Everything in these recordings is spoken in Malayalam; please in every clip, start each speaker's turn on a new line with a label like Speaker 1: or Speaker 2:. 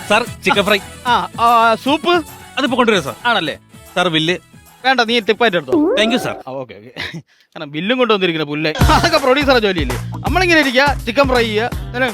Speaker 1: Sir chicken fry.
Speaker 2: സൂപ്പ്
Speaker 1: അതിപ്പോ കൊണ്ടുവരാം സാർ.
Speaker 2: ആണല്ലേ?
Speaker 1: സാർ ബില്ല്
Speaker 2: വേണ്ട, നീ ടിപ്പായിട്ട് എടുത്തോ.
Speaker 1: Thank you sir.
Speaker 2: Okay okay. കാരണം ബില്ലും കൊണ്ടുവന്നിരിക്കുന്ന പുല്ലേ, അതൊക്കെ പ്രൊഡ്യൂസറെ ജോലിയില്ലേ. നമ്മളിങ്ങനെ ഇരിക്കുക, ചിക്കൻ ഫ്രൈ ചെയ്യുക.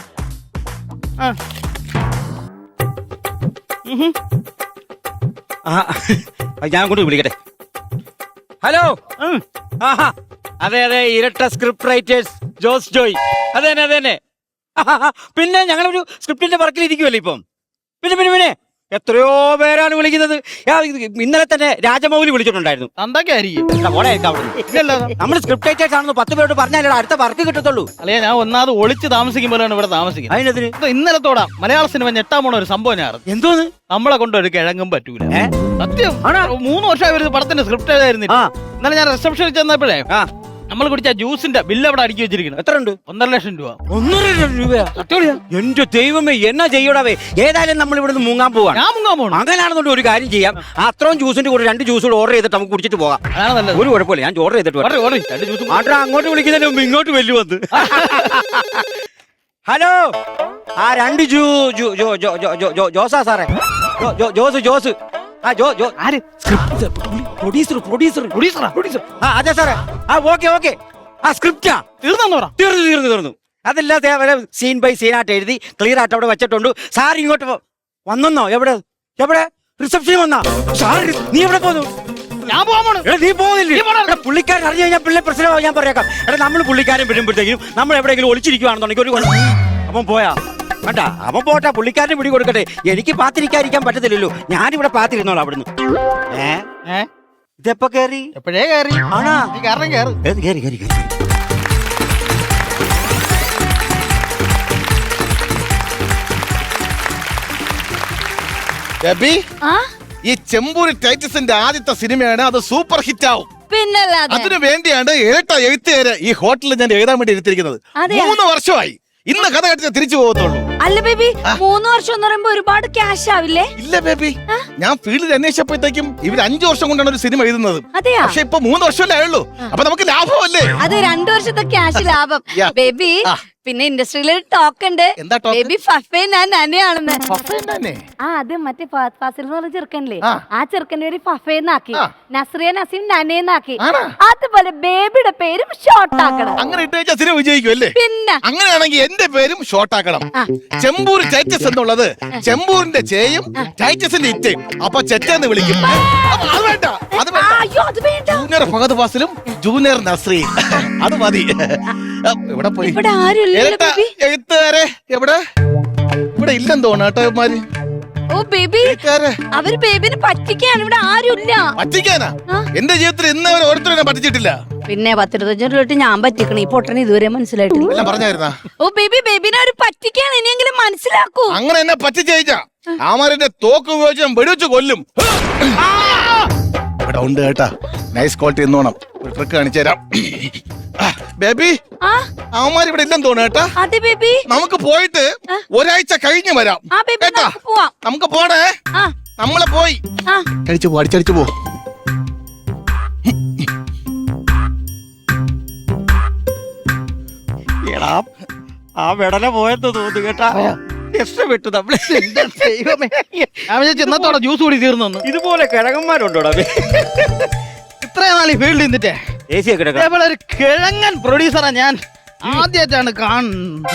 Speaker 3: ഞാൻ കൊണ്ട് വിളിക്കട്ടെ. ഹലോ. അതെ അതെ, ഇരട്ട സ്ക്രിപ്റ്റ് റൈറ്റേഴ്സ് ജോസ് ജോയ്. അതെ തന്നെ അതെ തന്നെ. പിന്നെ ഞങ്ങളൊരു സ്ക്രിപ്റ്റിന്റെ വർക്കിലിരിക്കുമല്ലോ ഇപ്പം. പിന്നെ പിന്നെ പിന്നെ എത്രയോ പേരാണ് വിളിക്കുന്നത്. ഇന്നലെ തന്നെ രാജമൗലി വിളിച്ചിട്ടുണ്ടായിരുന്നു.
Speaker 2: എന്തൊക്കെ ആയിരിക്കും
Speaker 3: നമ്മൾ സ്ക്രിപ്റ്റ് റൈറ്റേഴ്സ് ആണെന്ന് 10 പേരോട് പറഞ്ഞാലേ അടുത്ത വർക്ക് കിട്ടത്തുള്ളൂ.
Speaker 2: അല്ലെ, ഞാൻ ഒന്നാമത് ഒളിച്ച് താമസിക്കുമ്പോഴാണ് ഇവിടെ താമസിക്കുന്നത്.
Speaker 3: അതിനെതിന്
Speaker 2: ഇന്നലത്തോടാ മലയാള സിനിമ ഞെട്ടാൻ പോണ ഒരു സംഭവം ഞാൻ അറിഞ്ഞു.
Speaker 3: എന്തോന്ന്?
Speaker 2: നമ്മളെ കൊണ്ട് ഒരു കിഴങ്ങും പറ്റൂല. സത്യം. 3 വർഷമായി ഒരു പടത്തിന്റെ സ്ക്രിപ്റ്റ് എഴുതായിരുന്നില്ല. ഇന്നലെ ഞാൻ റിസപ്ഷനിൽ ചെന്നപ്പോഴേ നമ്മൾ കുടിച്ച ജ്യൂസിന്റെ ബില്ല് അവിടെ അടുക്കി വെച്ചിരിക്കുന്നു.
Speaker 3: എത്ര ഉണ്ട്?
Speaker 2: 1.5 ലക്ഷം രൂപ.
Speaker 3: 1.5 ലക്ഷം രൂപയാ? എന്റെ ദൈവമേ, എന്നാ ചെയ്യടാവേ. ഏതായാലും നമ്മൾ ഇവിടുന്ന് മുങ്ങാൻ പോവാണ്.
Speaker 2: ഞാൻ മുങ്ങാൻ പോകണം.
Speaker 3: അങ്ങനെയാണെന്നുണ്ട് ഒരു കാര്യം ചെയ്യാം. അത്രയും ജ്യൂസിന്റെ കൂടെ 2 ജ്യൂസ് ഓർഡർ ചെയ്തിട്ട് നമുക്ക് കുടിച്ചിട്ട് പോകാം.
Speaker 2: അതാണ് നല്ലത്.
Speaker 3: ഒരു കുഴപ്പമില്ല, ഞാൻ ഓർഡർ ചെയ്തിട്ട് മാത്രം അങ്ങോട്ട് വിളിക്കുന്നതിന് മുമ്പ് ഇങ്ങോട്ട് വലിയ വന്ന്. ഹലോ, ആ 2 ജോസാ സാറേ. ജോസ്. അതെ സാറേ. ഓക്കെ. ആ സ്ക്രിപ്റ്റാ തീർന്നു. അതെല്ലാം സീൻ ബൈ സീൻ ആയിട്ട് എഴുതി ക്ലിയർ ആയിട്ട് അവിടെ വെച്ചിട്ടുണ്ട്. സാർ ഇങ്ങോട്ട് വന്നോ? എവിടെ റിസപ്ഷൻ വന്നാ? സാർ നീ എവിടെ പോന്നു?
Speaker 2: ഞാൻ പോകാൻ.
Speaker 3: നീ പോകുന്നില്ലേ? പുള്ളിക്കാരൻ അറിഞ്ഞു കഴിഞ്ഞാൽ പിള്ളേ പ്രശ്നമാവും. ഞാൻ പറയാം. നമ്മൾ പുള്ളിക്കാരൻ വരുമ്പോഴത്തേക്കും നമ്മൾ എവിടെയെങ്കിലും ഒളിച്ചിരിക്കുവാണെന്നുണ്ടെങ്കിൽ ഒരു അപ്പം പോയാ വേണ്ട. അവൻ പോട്ടെ, പുള്ളിക്കാരന് പിടി കൊടുക്കട്ടെ. എനിക്ക് പാത്തിരിക്കാതിരിക്കാൻ പറ്റത്തില്ലല്ലോ. ഞാനിവിടെ പാത്തിരുന്നോളാം അവിടുന്ന്. ഇതെപ്പോ കേറി?
Speaker 2: എപ്പോഴേ കയറി.
Speaker 3: ആണാ?
Speaker 2: കേറി.
Speaker 4: ഈ ചെമ്പൂരി ടൈറ്റസിന്റെ ആദ്യത്തെ സിനിമയാണ്. അത് സൂപ്പർ ഹിറ്റ് ആവും.
Speaker 5: പിന്നല്ലാതെ.
Speaker 4: അതിനു വേണ്ടിയാണ് ഇരട്ട എഴുത്തുകാര് ഈ ഹോട്ടലിൽ ഞാൻ എഴുതാൻ വേണ്ടി എടുത്തിരിക്കുന്നത്. 3 വർഷമായി. ഇന്ന് കഥ കേട്ടിട്ട് തിരിച്ചു പോകത്തുള്ളൂ.
Speaker 5: അല്ല ബേബി, 3 വർഷം എന്ന് പറയുമ്പോ ഒരുപാട് ക്യാഷ് ആവില്ലേ?
Speaker 4: ഇല്ല ബേബി, ഞാൻ ഫീൽഡിൽ അന്വേഷിച്ചപ്പോഴത്തേക്കും ഇവർ 5 വർഷം കൊണ്ടാണ് ഒരു സിനിമ എഴുതുന്നത്. പക്ഷെ ഇപ്പൊ 3 വർഷമല്ലേ ആയുള്ളൂ. അപ്പൊ നമുക്ക് ലാഭമല്ലേ?
Speaker 5: അത് 2 വർഷത്തെ ക്യാഷ് ലാഭം. ബേബി, പിന്നെ ഇൻഡസ്ട്രിയിൽ ഒരു ടോക്ക് ഉണ്ട്. ബേബി ഫഫേ ഞാൻ നനയാണെന്ന്. അത് മറ്റേ ഫാസിൽ എന്ന് പറഞ്ഞ ചെറുക്കനില്ലേ, ആ ചെറുക്കന്റെ പേര് ഫഫേന്നാക്കി, നസ്രിയ നസീം നനേന്നാക്കി. അതുപോലെ ബേബിയുടെ പേരും ഷോർട്ട് ആക്കണം.
Speaker 4: അങ്ങനെ ഇട്ട് വെച്ചാൽ സിനിമ വിജയിക്കും അല്ലേ?
Speaker 5: പിന്നെ
Speaker 4: അങ്ങനെയാണെങ്കിൽ എന്റെ പേരും ഷോർട്ട് ആക്കണം. ചെമ്പൂർ ടൈറ്റസ് എന്നുള്ളത് ചെമ്പൂരിന്റെ ചേയും ടൈറ്റസിന്റെ ഇറ്റയും. അപ്പൊ ചെറ്റെന്ന് വിളിക്കും. അത് വേണ്ട, അത് വേണ്ട. ജൂനിയർ ഫഹദ് ഫാസിലും ജൂനിയർ നസ്രിയും അത് മതി. ഇവിടെ പോയി എഴുത്തുകാരെ ഇവിടെ ഇല്ലെന്ന് തോന്നാട്ടന്മാര്.
Speaker 5: ഓ ബേബി, അവര് ബേബിനെ പറ്റിക്കാണ്. ഇവിടെ ആരുമില്ല.
Speaker 4: പറ്റിക്കാനാ? എന്റെ ജീവിതത്തിൽ ഇന്ന് അവർ ഓരോരുത്തരും പറ്റിച്ചിട്ടില്ല.
Speaker 5: പിന്നെ 10-25 രൂപ ഞാൻ പറ്റിക്കണം. ഈ പൊട്ടന് ഇതുവരെ മനസ്സിലായിട്ടില്ല.
Speaker 4: പറഞ്ഞായിരുന്നാ?
Speaker 5: ഓ ബേബിനെ അവര് പറ്റിക്കാണ്. ഇനിയെങ്കിലും മനസ്സിലാക്കൂ.
Speaker 4: അങ്ങനെ എന്നെ പറ്റിച്ചയച്ചാ ആമാരെ തോക്ക് ഉപയോഗിച്ച് വെടിവെച്ച് കൊല്ലും. ഇവിടെ ഉണ്ട് കേട്ടാ, നൈസ് ക്വാളിറ്റി എന്നോണം. ഒരു ട്രിക്ക് കാണിച്ചു തരാം. ബേബി, അവന്മാർ ഇവിടെ ഇല്ലെന്ന് തോന്നുന്നു കേട്ടാ. നമുക്ക് പോയിട്ട് ഒരാഴ്ച കഴിഞ്ഞ് വരാം കേട്ടാ. നമുക്ക് പോണേ. നമ്മളെ പോയി അടിച്ചടിച്ചു പോ.
Speaker 3: എടാ, ആ വെടല പോയെന്ന് തോന്നുന്നു കേട്ടാ. രക്ഷപ്പെട്ടു നമ്മള്.
Speaker 2: ചെന്നത്തോടെ ജ്യൂസ് കൂടി തീർന്നു.
Speaker 3: ഇതുപോലെ കിഴങ്ങന്മാരുണ്ടോടാ?
Speaker 2: ഇത്രയും നാൾ ഈ ഫീൽഡിൽ നിന്നിട്ടേ അതേപോലെ ഒരു കിഴങ്ങൻ പ്രൊഡ്യൂസറാ ഞാൻ ആദ്യമായിട്ടാണ് കാണുന്നത്.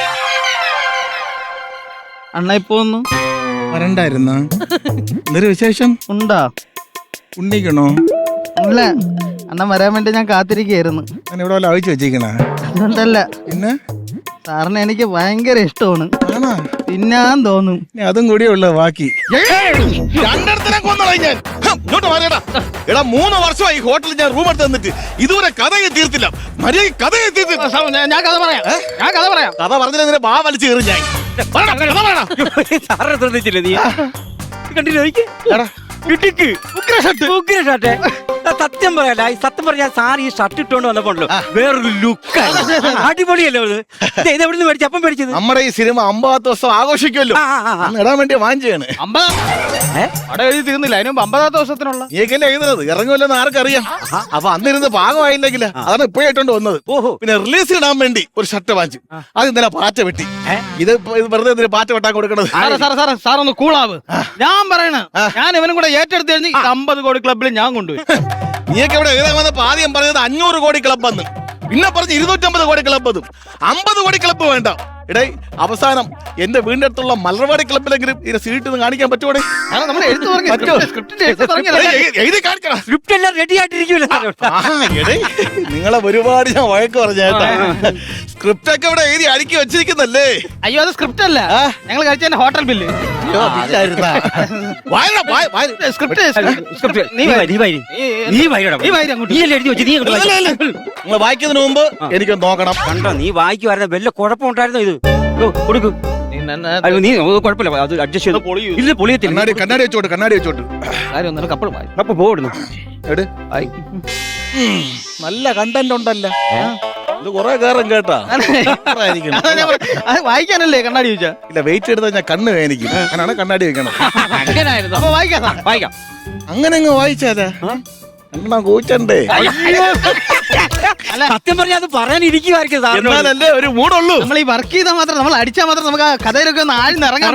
Speaker 2: അണ്ണ ഇപ്പൊ ഒന്ന്
Speaker 4: വരണ്ടായിരുന്ന എന്തൊരു വിശേഷം
Speaker 2: ഉണ്ടാ?
Speaker 4: ഉണ്ണിക്കണോ?
Speaker 2: അല്ല, അണ്ണൻ വരാൻ വേണ്ടി ഞാൻ കാത്തിരിക്കുകയായിരുന്നു.
Speaker 4: ഞാൻ ഇവിടെ വല്ല അഴിച്ചു വെച്ചേക്കണ?
Speaker 2: അതുകൊണ്ടല്ല,
Speaker 4: പിന്നെ
Speaker 2: സാറിന് എനിക്ക് ഭയങ്കര ഇഷ്ടമാണ്. തിന്നാൻ തോന്നും.
Speaker 4: അതും കൂടിയേ ഉള്ളു ബാക്കി. രണ്ടിടത്തിനെ കൊന്നളായി ഞാൻ. ഇങ്ങോട്ട് മാറിയടാ. എടാ, 3 വർഷമായി ഹോട്ടലിൽ ഞാൻ റൂം എടുത്ത് തന്നിട്ട് ഇതുവരെ കഥയെ തീർത്തില്ല. മര്യാദ കഥയെ തീർത്തില്ല.
Speaker 2: ഞാൻ കഥ പറയാം.
Speaker 4: കഥ പറഞ്ഞില്ല, ബാ വലിച്ചു കയറി ഞാൻ.
Speaker 3: ശ്രദ്ധിച്ചില്ല നീ? കണ്ടില്ല? സത്യം പറയാല സത്യം പറഞ്ഞാൽ സാർ ഈ ഷർട്ട് ഇട്ടോണ്ട് വന്നപ്പോണ്ടല്ലോ വേറൊരു ലുക്ക് അടിപൊളിയല്ലോ ഇത് എവിടെ നിന്ന് മേടിച്ചു അപ്പം മേടിച്ചത്
Speaker 4: നമ്മുടെ ഈ സിനിമ 50 ദിവസം ആഘോഷിക്കുമല്ലോ അന്ന് ഇടാൻ വേണ്ടി വാങ്ങിച്ചാണ്.
Speaker 2: 50 അവിടെ എഴുതി തീർന്നില്ല, അതിന് 50 ദിവസത്തിനുള്ള
Speaker 4: നീക്കല്ലേ എഴുതുന്നത് ഇറങ്ങുമല്ലെന്ന് ആർക്കറിയാം. അപ്പൊ അന്നിരുന്ന് പാകമായില്ലെങ്കിൽ അതാണ് ഇപ്പോഴായിട്ടുണ്ട് വന്നത്.
Speaker 3: ഓഹോ
Speaker 4: പിന്നെ റിലീസ് ഇടാൻ വേണ്ടി ഒരു ഷർട്ട് വാങ്ങിച്ചു, അത് ഇന്നലെ പാറ്റ വെട്ടി. ഇത് വെറുതെ എന്തിനാ പാറ്റ വെട്ടാൻ കൊടുക്കണത്?
Speaker 2: സാറൊന്ന് കൂളാവ്. ഞാൻ പറയണ ഞാൻ ഇവനും കൂടെ ഏറ്റെടുത്ത് കഴിഞ്ഞ് 50 കോടി ക്ലബിൽ ഞാൻ കൊണ്ടുപോയി.
Speaker 4: നീയൊക്കെ ഇവിടെ എഴുതാൻ വന്നപ്പോ ആദ്യം പറഞ്ഞത് 500 കോടി ക്ലബ് എന്ന്, പിന്നെ പറഞ്ഞ് 250 കോടി ക്ലബ് എന്നും. 50 കോടി ക്ലബ് വേണ്ട. ഇടേ അവസാനം എന്റെ വീടിന്റെ അടുത്തുള്ള മലർവാടി ക്ലബിലെങ്കിലും ഇതിനെ സീറ്റ് കാണിക്കാൻ പറ്റുമോ?
Speaker 2: നമ്മൾ എഴുത്ത്
Speaker 4: എഴുതി കാണിക്കണം.
Speaker 3: സ്ക്രിപ്റ്റ് എല്ലാം റെഡി ആയിട്ടിരിക്കുമല്ലോ
Speaker 4: നിങ്ങളെ ഒരുപാട് ഞാൻ വഴക്ക് പറഞ്ഞേട്ടാ. സ്ക്രിപ്റ്റ് ഒക്കെ ഇവിടെ എഴുതി അടുക്കി വെച്ചിരിക്കുന്നല്ലേ?
Speaker 2: അയ്യോ അത് സ്ക്രിപ്റ്റ് അല്ല, ഞങ്ങൾ കഴിച്ച ഹോട്ടൽ ബില്ല്.
Speaker 4: നിങ്ങൾ വായിക്കുന്നതിന് മുമ്പ് എനിക്കൊന്ന് നോക്കണം.
Speaker 3: കണ്ടോ നീ വായിക്കുവായിരുന്ന വല്ല കുഴപ്പമുണ്ടായിരുന്നോ? ഇത് കൊടുക്കും നീ കുഴപ്പമില്ല, അത് അഡ്ജസ്റ്റ് ചെയ്ത് ഇല്ല പൊളിയത്തില്ല.
Speaker 4: കണ്ണാടി വെച്ചോട്ട്, കണ്ണാടി വെച്ചോട്ട്.
Speaker 3: അപ്പൊ പോടുന്നു
Speaker 4: നല്ല കണ്ടന്റ് ഉണ്ടല്ലോ. ഇത് കൊറേ കയറും കേട്ടാ.
Speaker 2: വായിക്കാനല്ലേ കണ്ണാടി ചോദിച്ചാ?
Speaker 4: ഇല്ല, വെയിറ്റ് എടുത്താൽ ഞാൻ കണ്ണ് വേദനിക്കും. അങ്ങനെയാണ് കണ്ണാടി വെക്കണം.
Speaker 2: അങ്ങനായിരുന്നു. അപ്പൊ വായിക്കാം.
Speaker 4: അങ്ങനെ അങ്ങ് വായിച്ചാലാ കണ്ണാ കൂച്ചണ്ടേ?
Speaker 3: സത്യം പറഞ്ഞാൽ അത് പറയാനിരിക്കുവായിരിക്കും.
Speaker 4: എന്നാലല്ലേ ഒരു മൂടുള്ളൂ.
Speaker 2: നമ്മൾ ഈ വർക്ക് ചെയ്താൽ മാത്രം, നമ്മൾ അടിച്ചാൽ മാത്രം നമുക്ക് ആ കഥയിലൊക്കെ ഒന്ന് ആഴ്ന്ന് ഇറങ്ങാൻ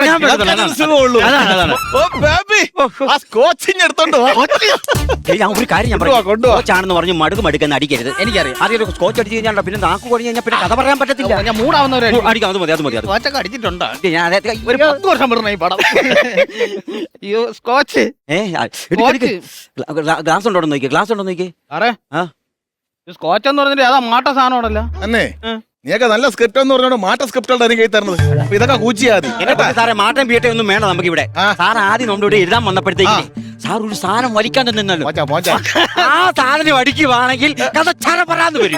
Speaker 3: ഞാൻ ഒരു കാര്യം ഞാൻ കോച്ചാണെന്ന് പറഞ്ഞു മടുക്കെന്ന് അടിക്കരുത്.
Speaker 2: എനിക്കറിയാം.
Speaker 3: ആദ്യം സ്കോച്ച് അടിച്ച് കഴിഞ്ഞാൽ പിന്നെ നാക്ക് കൊടി കഴിഞ്ഞാൽ പിന്നെ കഥ പറയാൻ പറ്റത്തില്ല.
Speaker 2: ഞാൻ മൂടാവുന്നവരെ
Speaker 3: അടിക്കാം. അത് മതി, അത് മതി.
Speaker 2: സ്കോച്ചൊക്കെ അടിച്ചിട്ടുണ്ടോ?
Speaker 3: ഞാൻ
Speaker 2: ഒരു 10 വർഷം പെടുന്ന ഈ പടം. അയ്യോ സ്കോച്ച്
Speaker 3: ഗ്ലാസ് ഉണ്ടോ നോക്കി, ഗ്ലാസ് ഉണ്ടോ നോക്കി.
Speaker 2: സ്കോച്ച് എന്ന് പറഞ്ഞിട്ട് അതാ മാട്ട സാധനമാണല്ലോ.
Speaker 4: അന്നേ നീയൊക്കെ നല്ല സ്ക്രിപ്റ്റ് എന്ന് പറഞ്ഞോണ്ട് മാറ്റ സ്ക്രിപ്റ്റുകളുടെ എനിക്ക് തരുന്നത്. അപ്പൊ ഇതൊക്കെ കൂച്ചിയാ മതി.
Speaker 3: സാറേ മാറ്റം പീട്ടെ ഒന്നും വേണം നമുക്ക് ഇവിടെ. സാർ ആദ്യം നമ്മുടെ ഇവിടെ എഴുതാൻ വന്നപ്പോഴത്തേക്ക് സാർ ഒരു സാധനം വലിക്കാൻ തന്നല്ലോ. ആ സാധനം അടിക്കുവാണെങ്കിൽ കഥ ചറപറാന്ന് വരും.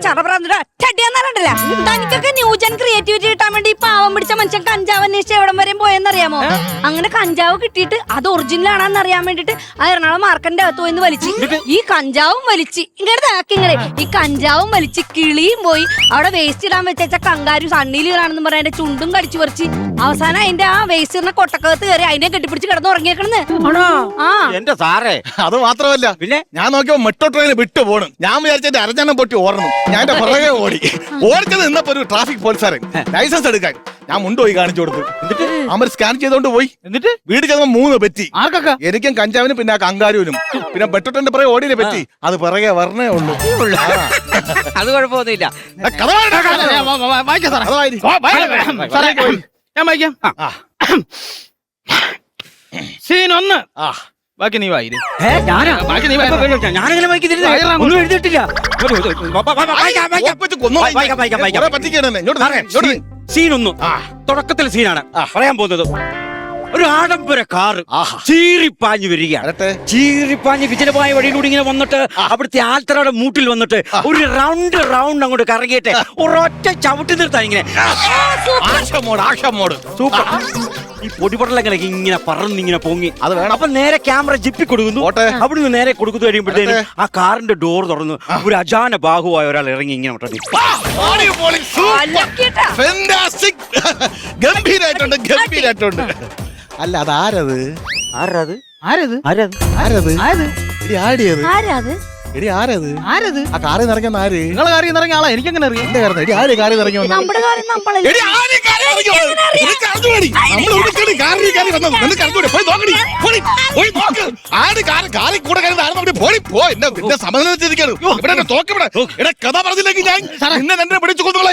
Speaker 5: തനിക്കൊക്കെ ന്യൂജൻ ക്രിയേറ്റിവിറ്റി കിട്ടാൻ വേണ്ടി പാവം പിടിച്ച മനുഷ്യൻ കഞ്ചാവ് അന്വേഷിച്ച് എവിടം വരെ പോയെന്നറിയാമോ? അങ്ങനെ കഞ്ചാവ് കിട്ടിയിട്ട് അത് ഒറിജിനൽ ആണെന്ന് അറിയാൻ വേണ്ടിട്ട് ആ എറണാകുളം മാർക്കറ്റിന്റെ അകത്ത് പോയിന്ന് വലിച്ച് ഈ കഞ്ചാവും വലിച്ച് ഇങ്ങനെ ഈ കഞ്ചാവും വലിച്ച് കിളിയും പോയി അവിടെ വേസ്റ്റ് ഇടാൻ വെച്ച കങ്കാരു സണ്ണിയിലാണെന്ന് പറയാൻ എന്റെ ചുണ്ടും കടിച്ചു പറിച്ച് അവസാനം അതിന്റെ ആ വേസ്റ്റ് കൊട്ടക്കകത്ത് കയറി അതിനെ കെട്ടിപ്പിടിച്ച് കിടന്ന് ഉറങ്ങിയേക്കണെന്ന്.
Speaker 3: എന്റെ സാറേ
Speaker 4: അത് മാത്രമല്ല, പിന്നെ ഞാൻ നോക്കിയപ്പോ മെട്രോ ട്രെയിൻ വിട്ടു പോണു. ഞാൻ വിചാരിച്ചെന്റെ അരഞ്ഞെണ്ണം പൊട്ടി ഓടണം. ഞാൻ എന്റെ പുറകെ ഓടിച്ചത് നിന്നപ്പോ ഒരു ട്രാഫിക് പോലീസുകാരൻ ലൈസൻസ് എടുക്കാൻ ഞാൻ മുണ്ടുപോയി കാണിച്ചു കൊടുത്തു. എന്നിട്ട് അവർ സ്കാൻ ചെയ്തോണ്ട് പോയി. എന്നിട്ട് വീട് ചെന്നപ്പോ 3 പറ്റി. ആർക്കൊക്കെ? എനിക്കും കഞ്ചാവിനും പിന്നെ ആ കങ്കാരുവിനും. പിന്നെ മെട്രോ ട്രെയിനിന്റെ പുറകെ ഓടിയെ പറ്റി. അത് പുറകെ വരണേ ഉള്ളൂ.
Speaker 3: അത് കുഴപ്പമൊന്നുമില്ല.
Speaker 2: ഞാൻ വായിക്കാം. സീൻ 1. ബാക്കി നീ വായി.
Speaker 3: ഞാനങ്ങനെ ഒന്നും എഴുതിയിട്ടില്ല. സീൻ 1 തുടക്കത്തിൽ സീനാണ് പറയാൻ പോകുന്നത്. ഒരു ആഡംബര കാറ് ചീറിപ്പാഞ്ഞു വരികയാണ്. ചീറിപ്പാഞ്ഞ് വിജനമായ വഴിയിലൂടെ ഇങ്ങനെ വന്നിട്ട് അവിടുത്തെ ആൽത്തറയുടെ മൂട്ടിൽ വന്നിട്ട് ഒരു റൗണ്ട് അങ്ങോട്ട് കറങ്ങിയിട്ട് ഒരൊറ്റ ചവിട്ടി നിർത്താൻ ഇങ്ങനെ സൂപ്പർ. ഈ പൊടിപടലങ്ങനെ ഇങ്ങനെ പറന്നിങ്ങനെ പൊങ്ങി അത് വേണം. അപ്പൊ നേരെ ക്യാമറ ജിപ്പി കൊടുക്കുന്നു. അവിടുന്ന് നേരെ കൊടുക്കുന്നു കഴിയുമ്പോഴത്തേനും ആ കാറിന്റെ ഡോർ തുറന്നു ഒരു അജാന ബാഹുവായ ഒരാൾ ഇറങ്ങി ഇങ്ങനെ
Speaker 4: ഗംഭീരായിട്ടുണ്ട്. അല്ല അതാരത്?
Speaker 3: ആരത്?
Speaker 2: ആരത്?
Speaker 3: ആരത്?
Speaker 4: ആരത്?
Speaker 5: ആരത്?
Speaker 4: എടി ആരത്?
Speaker 2: ആരത്?
Speaker 4: ആ കാറിൽ നിറങ്ങുന്ന ആര്?
Speaker 2: നിങ്ങളെ കാറിൽ നിറങ്ങിയ ആളാ. എനിക്കെങ്ങനെ അറിയാം?
Speaker 4: എന്റെ കാര്യം എടി ആര് കാറിൽ നിറങ്ങി വന്നു? കഥ പറഞ്ഞില്ലെങ്കിൽ ഞാൻ എന്നെ പിടിച്ചു കൊന്നുകളായി.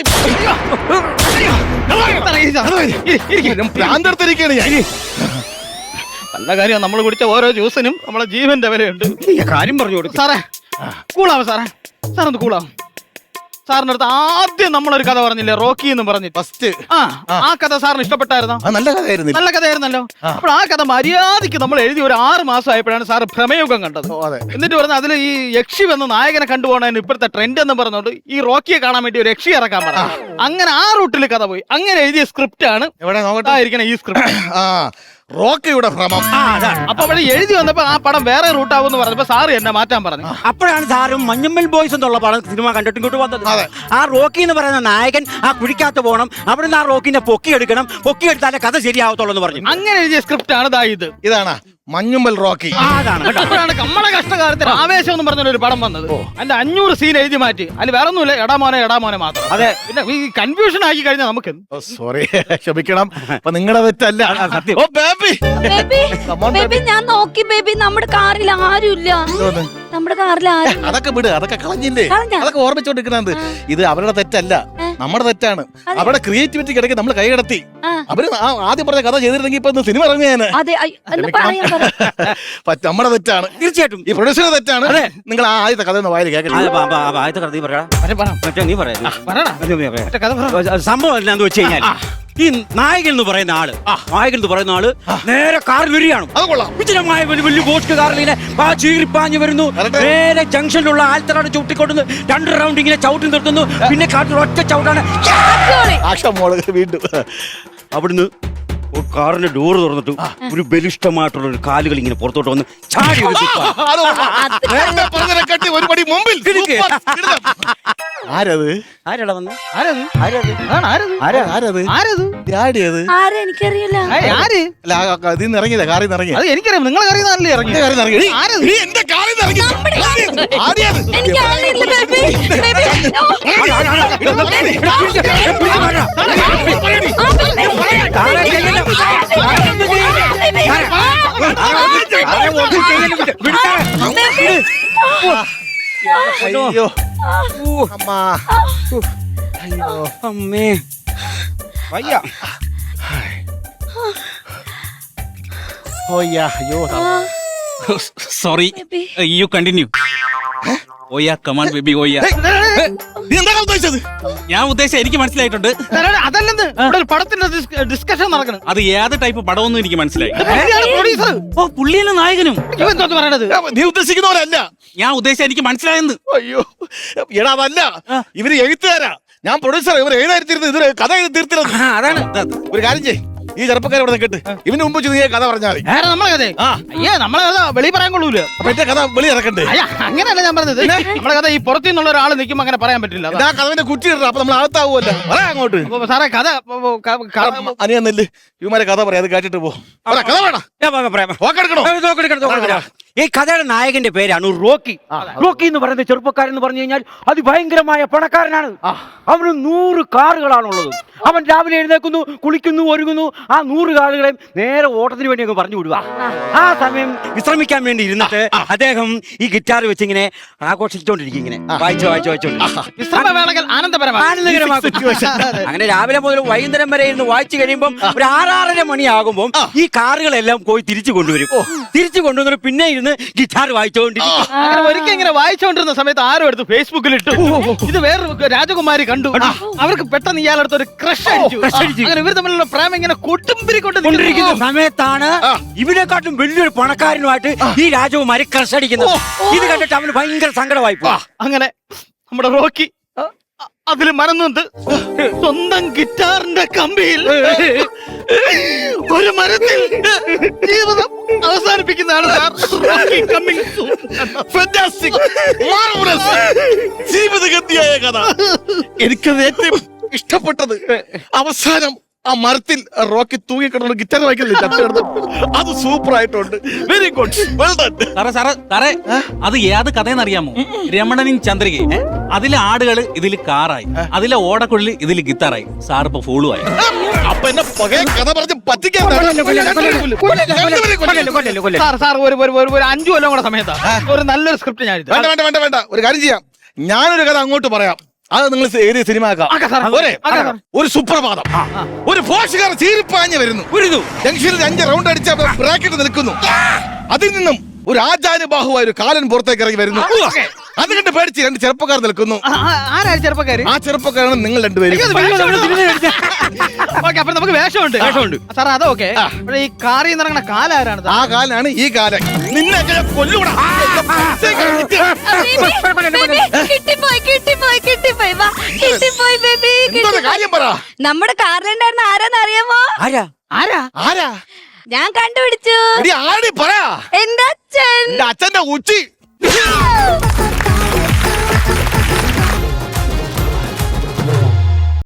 Speaker 4: ഭ്രാന്തെടുത്തിരിക്കുകയാണ് ഞാൻ.
Speaker 2: നല്ല കാര്യം. നമ്മൾ കുടിച്ച ഓരോ ജ്യൂസിനും നമ്മളെ ജീവന്റെ വിലയുണ്ട്.
Speaker 3: കാര്യം പറഞ്ഞു കൊടുക്കും.
Speaker 2: സാറേ കൂളാവും. സാറൊന്ന് കൂളാവും. സാറിന്റെ അടുത്ത് ആദ്യം നമ്മളൊരു കഥ പറഞ്ഞില്ലേ, റോക്കി എന്ന് പറഞ്ഞിട്ട് ഫസ്റ്റ്. ആ കഥ സാറിന് ഇഷ്ടപ്പെട്ടായിരുന്നോ?
Speaker 4: നല്ല കഥയായിരുന്നു.
Speaker 2: നല്ല കഥയായിരുന്നല്ലോ. അപ്പോൾ ആ കഥ മര്യാദയ്ക്ക് നമ്മൾ എഴുതി ഒരു 6 മാസം ആയപ്പോഴാണ് സാറ് ഭ്രമയുഗം കണ്ടത്. എന്നിട്ട് പറഞ്ഞ അതിൽ ഈ യക്ഷി വന്ന് നായകനെ കണ്ടുപോകണതിന് ഇപ്പോഴത്തെ ട്രെൻഡ് എന്ന് പറഞ്ഞോണ്ട് ഈ റോക്കിയെ കാണാൻ വേണ്ടി ഒരു യക്ഷി ഇറക്കാൻ പറഞ്ഞു. അങ്ങനെ ആ റൂട്ടിൽ കഥ പോയി. അങ്ങനെ എഴുതിയ സ്ക്രിപ്റ്റ് ആണ് ഇവിടെ നോക്കട്ടായിരിക്കണം ഈ സ്ക്രിപ്റ്റ്.
Speaker 4: റോക്കിയുടെ ഭ്രമം.
Speaker 2: അപ്പൊ അവിടെ എഴുതി വന്നപ്പോ ആ പടം വേറെ റൂട്ടാവെന്ന് പറഞ്ഞപ്പോ സാറ് എന്നെ മാറ്റാൻ പറഞ്ഞു.
Speaker 3: അപ്പോഴാണ് സാറും മഞ്ഞമ്മൽ ബോയ്സ് എന്നുള്ള പടം സിനിമ കണ്ടിട്ട് ഇങ്ങോട്ട് വന്നത്. ആ റോക്കി എന്ന് പറയുന്ന നായകൻ ആ കുഴിക്കകത്ത് പോകണം, അവിടുന്ന് ആ റോക്കിനെ പൊക്കിയെടുക്കണം, പൊക്കിയെടുത്താലേ കഥ ശരിയാവത്തുള്ളൂ എന്ന് പറഞ്ഞു.
Speaker 2: അങ്ങനെ എഴുതിയ സ്ക്രിപ്റ്റ് ആണ് ഇത്.
Speaker 4: ഇതാണ് മഞ്ഞുമ്മൽ റോക്കി.
Speaker 2: അപ്പോഴാണ് കമ്മള കഷ്ടകാലത്തിന് ആവേശം എന്ന് പറഞ്ഞ ഒരു പടം വന്നത്. അതിന്റെ 500 സീൻ എഴുതി മാറ്റി. അതിൽ വേറെ ഒന്നുമില്ല, എടാമോനെ മാത്രം.
Speaker 3: അതെ,
Speaker 2: പിന്നെ ഈ കൺഫ്യൂഷൻ ആക്കി കഴിഞ്ഞാൽ നമുക്ക്
Speaker 4: സോറി, ക്ഷമിക്കണം. അപ്പൊ നിങ്ങളുടെ തെറ്റല്ല.
Speaker 3: സത്യം.
Speaker 4: ഓ ബേബി,
Speaker 5: ബേബി ഞാൻ നോക്കി ബേബി, നമ്മുടെ കാറിൽ ആരുമില്ല. നമ്മുടെ കാറിൽ ആരും.
Speaker 4: അതൊക്കെ വിട്, അതൊക്കെ കളഞ്ഞില്ലേ,
Speaker 5: കളഞ്ഞ?
Speaker 4: അതൊക്കെ ഓർമ്മിച്ചോണ്ടിരിക്കണത്. ഇത് അവരുടെ തെറ്റല്ല, നമ്മുടെ തെറ്റാണ്. അവരുടെ ക്രിയേറ്റിവിറ്റി കിടക്കി നമ്മൾ കൈകടത്തി. അവര് ആദ്യം പറഞ്ഞ കഥ ചെയ്തിരുന്നെങ്കിൽ ഇപ്പൊ സിനിമ ഇറങ്ങിയാണ്.
Speaker 5: അതെ, ഒന്ന് പറയാൻ പറ.
Speaker 4: നമ്മുടെ തെറ്റാണ്,
Speaker 3: തീർച്ചയായിട്ടും.
Speaker 4: ഈ പ്രൊഡ്യൂസറുടെ തെറ്റാണ്. നിങ്ങൾ ആ ആദ്യത്തെ കഥ ഒന്ന് വായിൽ കേൾക്കണം.
Speaker 3: ആദ്യത്തെ കഥ നീ പറയടാ. നീ പറയാ. സംഭവം എന്താന്ന് വെച്ച് കഴിഞ്ഞാൽ ഈ നായകൻ എന്ന് പറയുന്ന ആള് നേരെ കാറിൽ വരികയാണ്. വിജയമായ വലിയ ഗോസ്റ്റ് കാറിൽ ഇങ്ങനെ ചീറിപ്പാഞ്ഞു വരുന്നു. നേരെ ജംഗ്ഷനിലുള്ള ആൽത്തറാണ് ചവിട്ടിക്കൊണ്ടുവന്ന് 2 റൗണ്ട് ഇങ്ങനെ ചവിട്ടി നിർത്തുന്നു. പിന്നെ കാട്ടിൽ ഒറ്റ ചവിട്ടാണ്.
Speaker 4: വീണ്ടും
Speaker 3: അവിടുന്ന് കാറിന്റെ ഡോറ് തുറന്നിട്ട് ഒരു ബലിഷ്ടമായിട്ടുള്ള ഒരു കാലുകൾ ഇങ്ങനെ പുറത്തോട്ട് വന്ന് ചാടി
Speaker 4: ഒരുപടി മുമ്പിൽ. ആരത്?
Speaker 3: ആരാടാ വന്ന്?
Speaker 5: ആരെ എനിക്കറിയില്ല.
Speaker 4: ഇതിൽ നിന്ന് ഇറങ്ങിയതാ, കാറിൽ നിന്ന് ഇറങ്ങി.
Speaker 2: അത് എനിക്കറിയാം, നിങ്ങൾ അറിയുന്നതല്ലേ ഇറങ്ങി.
Speaker 4: എന്റെ കാറിൽ നിന്ന്
Speaker 5: എനിക്ക് അറിയില്ല ബേബി.
Speaker 4: അയ്യോ അമ്മ,
Speaker 3: അയ്യോ അമ്മേ, വയ്യ.
Speaker 4: അയ്യോ
Speaker 1: സോറി, യു കണ്ടിന്യൂ. ഓയാ കമാൺ ബേബി ഓയാ. ഞാൻ ഉദ്ദേശിച്ച എനിക്ക് മനസ്സിലായിട്ടുണ്ട്.
Speaker 2: അതല്ലെന്ന് ഇവിടെ ഒരു പടത്തിന്റെ ഡിസ്കഷൻ നടക്കണം.
Speaker 1: അത് ഏത് ടൈപ്പ് പടമൊന്നും എനിക്ക് മനസ്സിലായി.
Speaker 2: പ്രൊഡ്യൂസർ
Speaker 1: ഓ പുള്ളിയല്ല നായകനും.
Speaker 2: ഇവെന്തോന്ന് പറയണത്?
Speaker 4: നീ ഉദ്ദേശിക്കുന്ന പോലെ അല്ല.
Speaker 1: ഞാൻ ഉദ്ദേശിച്ച എനിക്ക് മനസ്സിലായെന്ന്.
Speaker 4: അയ്യോ എടാ, അതല്ല, ഇവര് എഴുത്തുകാരാ, ഞാൻ പ്രൊഡ്യൂസർ. ഇവർ എഴുതാതിരുന്നത് ഇതിന് കഥ എഴുതി തീർത്തിരുന്നത്.
Speaker 3: അതാണ്.
Speaker 4: ഒരു കാര്യം ചെയ്യ്, ഈ ചെറുപ്പക്കാരെ ഇവിടെ കേട്ട് ഇവന് മുമ്പ് നീ കഥ പറഞ്ഞാൽ മതി.
Speaker 2: നമ്മളെ കഥ അയ്യേ നമ്മളെ കഥ വെളി പറയാൻ കൊള്ളൂല.
Speaker 4: അപ്പൊ എന്റെ കഥ വെളി ഇറക്കണ്ടേ?
Speaker 2: അങ്ങനെയല്ല ഞാൻ പറഞ്ഞത്. നമ്മളെ കഥ ഈ പുറത്തു നിന്നുള്ള ഒരാൾ നിൽക്കുമ്പോ അങ്ങനെ പറയാൻ പറ്റില്ല.
Speaker 4: ആ കഥവിന്റെ കുറ്റി ഇടണം, അപ്പൊ നമ്മൾ അകത്താവുമല്ലോ. പറയാ അങ്ങോട്ട്.
Speaker 2: സാറേ കഥ
Speaker 4: അനിയന്നല്ലേ ഇവന്മാരെ കഥ പറയാം, അത് കേട്ടിട്ട് പോ. കഥ വേണം.
Speaker 3: ഈ കഥയുടെ നായകന്റെ പേരാണ് റോക്കി. റോക്കി എന്ന് പറയുന്ന ചെറുപ്പക്കാരൻ എന്ന് പറഞ്ഞു കഴിഞ്ഞാൽ അതിഭയങ്കരമായ പണക്കാരനാണ്. അവന് 100 കാറുകളാണുള്ളത്. അവൻ രാവിലെ എഴുന്നേക്കുന്നു, കുളിക്കുന്നു, ഒരുങ്ങുന്നു. ആ 100 കാറുകളെയും നേരെ ഓട്ടത്തിന് വേണ്ടി അങ്ങ് പറഞ്ഞു വിടുക. ആ സമയം വിശ്രമിക്കാൻ വേണ്ടി ഇരുന്നിട്ട് അദ്ദേഹം ഈ ഗിറ്റാർ വെച്ച് ഇങ്ങനെ ആഘോഷിച്ചോണ്ടിരിക്കും. ഇങ്ങനെ വായിച്ചോണ്ട് അങ്ങനെ രാവിലെ മുതൽ വൈകുന്നേരം വരെ ഇരുന്ന് വായിച്ചു കഴിയുമ്പോൾ ഒരു 6-6:30 മണിയാകുമ്പോൾ ഈ കാറുകളെല്ലാം പോയി തിരിച്ചു കൊണ്ടുവരും. തിരിച്ചു കൊണ്ടുവന്നിട്ട് പിന്നെ ഇരുന്ന് ഗിറ്റാർ വായിച്ചോണ്ടിരിക്കും.
Speaker 2: അങ്ങനെ ഒരിക്കൽ ഇങ്ങനെ വായിച്ചോണ്ടിരുന്ന സമയത്ത് ആരും എടുത്ത് ഫേസ്ബുക്കിൽ ഇട്ടു. ഇത് വേറൊരു രാജകുമാരി കണ്ടു. അവർക്ക് പെട്ടെന്ന് ഇയാളെടുത്ത് ഒരു ക്രഷ് അടിച്ചു. അങ്ങനെ ഇവർ തമ്മിലുള്ള പ്രേമം ഇങ്ങനെ കൊട്ടുംപിരിക്കൊണ്ടിരിക്കുന്ന
Speaker 3: സമയത്താണ് ഇവനെക്കാട്ടും വലിയൊരു പണക്കാരനുമായിട്ട് ഈ രാജകുമാരി ക്രഷ് അടിക്കുന്നത്. ഇത് കണ്ടിട്ട് അവന് ഭയങ്കര സങ്കടമായി പോവാ.
Speaker 2: അങ്ങനെ നമ്മുടെ റോക്കി അതില് മനന്നുണ്ട്. സ്വന്തം ഗിറ്റാറിന്റെ കമ്പിയിൽ ഒരു മരത്തിൽ ജീവിതം അവസാനിപ്പിക്കുന്നതാണ്
Speaker 4: ജീവിതഗതിയായ കഥ. എനിക്കത് ഏറ്റവും ഇഷ്ടപ്പെട്ടത് അവസാനം ആ മരത്തിൽ റോക്കി തൂങ്ങിക്കിടന്ന ഗിറ്റാർ വായിക്കുന്നില്ല, അത് സൂപ്പർ ആയിട്ടുണ്ട്. Very good, well done.
Speaker 1: സാറേ അത് ഏത് കഥയെന്ന് അറിയാമോ? രമണനും ചന്ദ്രികയും. അതിലെ ആടുകള് ഇതില് കാറായി, അതിലെ ഓടക്കുഴല് ഇതില് ഗിത്താറായി. സാർ ഇപ്പൊ ഫോളുവായി.
Speaker 4: അപ്പൊ എന്നെ പകയ കഥ പറഞ്ഞ് പറ്റിക്കാൻ
Speaker 2: സാർ ഒരു 5 കൊല്ലം കൂടെ സമയത്താ ഒരു നല്ലൊരു സ്ക്രിപ്റ്റ് ഞാൻ
Speaker 4: വേണ്ട. ഒരു കാര്യം ചെയ്യാം, ഞാനൊരു കഥ അങ്ങോട്ട് പറയാം, അത് നിങ്ങൾ ഏത് സിനിമ ആക്കാം. ഒരു സുപ്രഭാതം, ഒരു പോഷകാർ ചീരിപ്പാഞ്ഞ് വരുന്നു. ജംഗ്ഷനിൽ 5 റൗണ്ട് അടിച്ച ബ്രാക്കറ്റ് നിൽക്കുന്നു. അതിൽ നിന്നും ഒരു ആചാര്യബാഹുവായ ഒരു കാലൻ പുറത്തേക്ക് ഇറങ്ങി വരുന്നു. അത് കണ്ട് പേടിച്ച് 2 ചെറുപ്പക്കാർ നിൽക്കുന്നു.
Speaker 2: ആരാണ് ചെറുപ്പക്കാര്?
Speaker 4: ആ ചെറുപ്പക്കാരാണ് നിങ്ങൾ 2 പേരും.
Speaker 2: അപ്പൊ നമുക്ക് വേഷമുണ്ട്. സാർ അതൊക്കെ ഈ കാറിൽ നിന്ന് ഇറങ്ങുന്ന കാലാരാണ്?
Speaker 4: ആ കാലാണ് ഈ കാലൻ. നിന്നെ കൊല്ലൂടാ. കാര്യം പറ.
Speaker 5: നമ്മുടെ കാറിലുണ്ടായിരുന്ന ആരാന്ന് അറിയാമോ?
Speaker 3: ആരാ?
Speaker 4: ആരാ?
Speaker 5: ഞാൻ കണ്ടുപിടിച്ചു.
Speaker 4: എടി ആടി പറ.
Speaker 5: എന്റെ അച്ഛൻ.
Speaker 4: എന്റെ അച്ഛന്റെ ഉച്ചി.